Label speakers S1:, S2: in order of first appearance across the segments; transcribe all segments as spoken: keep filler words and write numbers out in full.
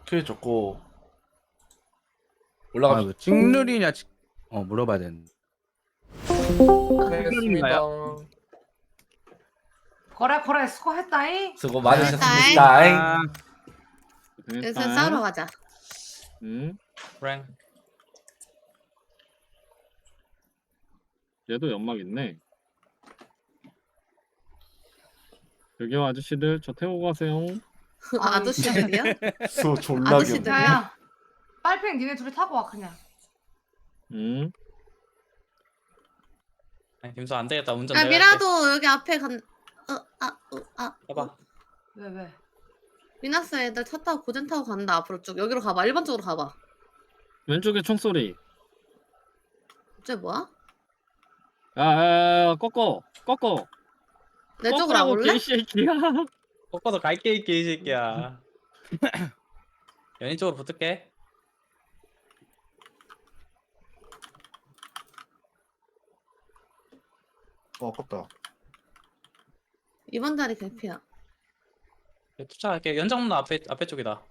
S1: 큐 줬고
S2: 아,
S1: 올라가.
S2: 뭐 찍누리냐? 찍- 어, 물어봐야 되는데.
S1: 알겠습니다.
S3: 거래 거래 수고했다잉.
S1: 수고
S4: 네.
S1: 많으셨습니다.
S2: 아,
S4: 요새 싸우러 가자.
S2: 음,
S5: 랭.
S2: 얘도 연막 있네. 여기 아저씨들 저 태우고 가세요.
S4: 아저씨들이야?
S1: 수 졸라
S4: 아저씨들.
S1: 귀엽네.
S3: 야야. 빨팽 니네 둘이 타고 와 그냥.
S2: 음,
S5: 아니, 김수 안 되겠다. 운전
S4: 야
S5: 내가
S4: 미라도 여기 앞에 간. 어, 아, 어, 아.
S5: 할게. 해봐.
S3: 왜 왜?
S4: 미나스 애들 차 타고 고젠 타고 간다. 앞으로 쭉 여기로 가봐. 일 번 쪽으로 가봐.
S2: 왼쪽에 총소리.
S4: 쟤 뭐야?
S2: 야, 야, 야, 꺾어, 꺾어.
S4: 내 쪽으로 안 올래?
S2: 개새끼야.
S5: 꺾어도 갈게 있게 이 새끼야. 연인 쪽으로 붙을게.
S1: 어 아깝다.
S4: 이번 자리 개피야.
S5: 투자할게. 연장로 앞에 앞에 쪽이다.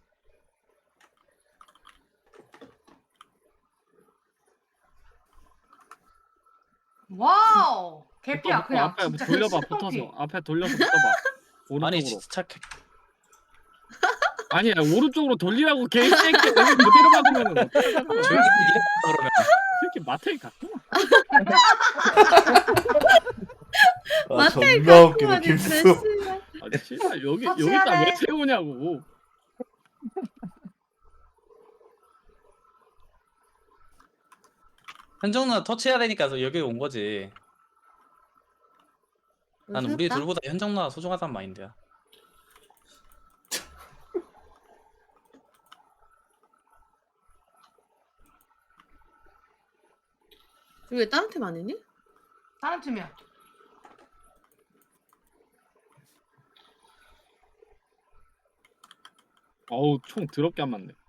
S3: 와우. 개피야
S2: 붙어,
S3: 그냥.
S2: 앞에
S3: 진짜
S2: 돌려봐,
S3: 개피.
S2: 붙어서. 앞에 돌려서 붙어봐. 오른쪽으로.
S5: 아니 진짜 착해.
S2: 아니야, 오른쪽으로 돌리라고 개새끼. 여기 그대로 박으면은 어떡하냐고.
S5: 조용히 이래 그러면.
S2: 이렇게 마트에 갔구나.
S1: 아,
S4: 마트에
S1: 존나 웃기네
S4: 가고
S1: 김수.
S4: 하는데
S2: 아, 씨발 여기
S3: 터치해야
S2: 여기다 왜
S3: 돼.
S2: 세우냐고.
S5: 현정누나 터치해야 되니까 여기 온 거지. 나는 우리 둘보다 현정누나가 소중하단 마인드야.
S4: 왜 다른 팀 아니니?
S3: 다른 팀이야.
S2: 어우, 총 더럽게 안 맞네.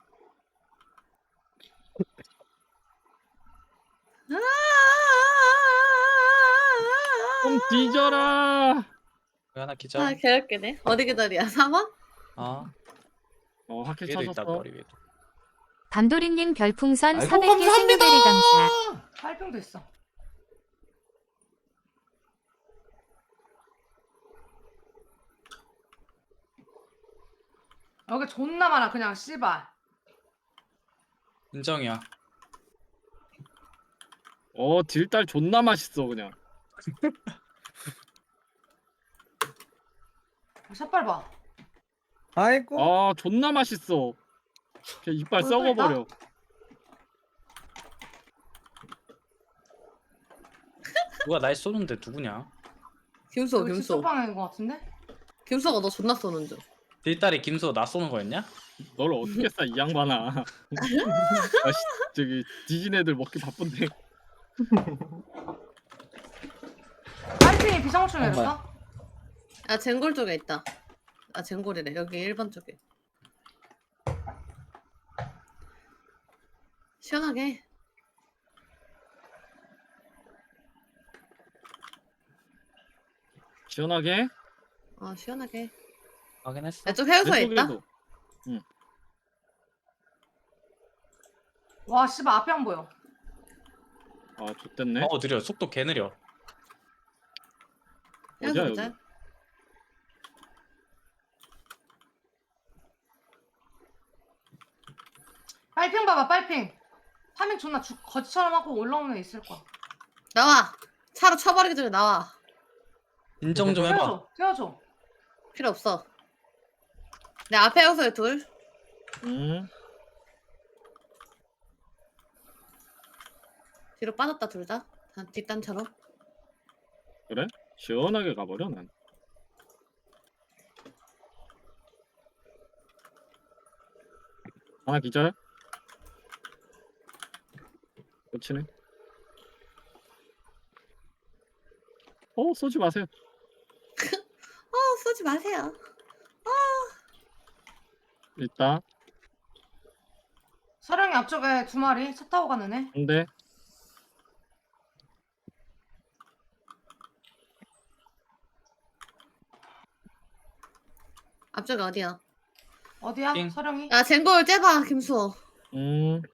S2: 좀 뒤져라.
S5: 여기 하나 기절.
S4: 아 개웃기네. 어디 기다리야? 사 번?
S5: 어.
S2: 어, 하킬
S5: 위에도 있다
S2: 찾았어.
S5: 머리 위에.
S6: 담도리님 별풍선
S1: 아이고
S6: 사백 개
S1: 감사합니다.
S6: 생일베리 감사.
S3: 빨팽도 있어. 여기 존나 많아 그냥 씨발.
S5: 인정이야.
S2: 어, 딜달 존나 맛있어 그냥.
S3: 샷발 봐.
S7: 아이고.
S2: 아, 존나 맛있어. 그냥 이빨
S3: 어,
S2: 썩어버려.
S5: 누가 날 쏘는데 누구냐?
S4: 김수
S3: 여기
S4: 김수.
S3: 직접방인 것 같은데?
S4: 김수가 너 존나 쏘는 중.
S5: 딜다리 김수 나 쏘는 거였냐?
S2: 널 어떻게 싸 이 양반아. 아, 씨, 저기 뒤진 애들 먹기 바쁜데.
S3: 빨팽이 비상호출 내렸어?
S4: 아 젠골 쪽에 있다. 아 젠골이래. 여기 일 번 쪽에. 시원하게.
S2: 시원하게.
S4: 어 시원하게.
S5: 확인했어.
S4: 내 쪽 해우소에 있다.
S2: 왼쪽에도.
S3: 와 씨발 앞에 안 보여.
S2: 아, 좋댔네.
S5: 어 느려. 속도 개 느려.
S2: 어디야,
S4: 해우소
S2: 여기?
S4: 보자.
S3: 빨팽 봐봐 빨팽. 파밍 존나 주, 거지처럼 하고 올라오는 애 있을 거야.
S4: 나와. 차로 쳐버리기 전에 나와.
S5: 인정 좀 해봐.
S3: 태워줘 태워줘.
S4: 필요 없어. 내 앞에 해우소에 둘.
S2: 음.
S4: 뒤로 빠졌다 둘 다. 다 뒷단처럼.
S2: 그래? 시원하게 가버려 난. 하나 기절. 그치네. 어, 쏘지 마세요.
S4: 어 쏘지 마세요.
S2: 일단
S3: 서령이 앞쪽에 두 마리 차 타고 가는 애.
S2: 근데
S4: 앞쪽에 어디야?
S3: 어디야?
S5: 띵.
S3: 서령이?
S4: 야 젠골 째봐 김수호.
S2: 음.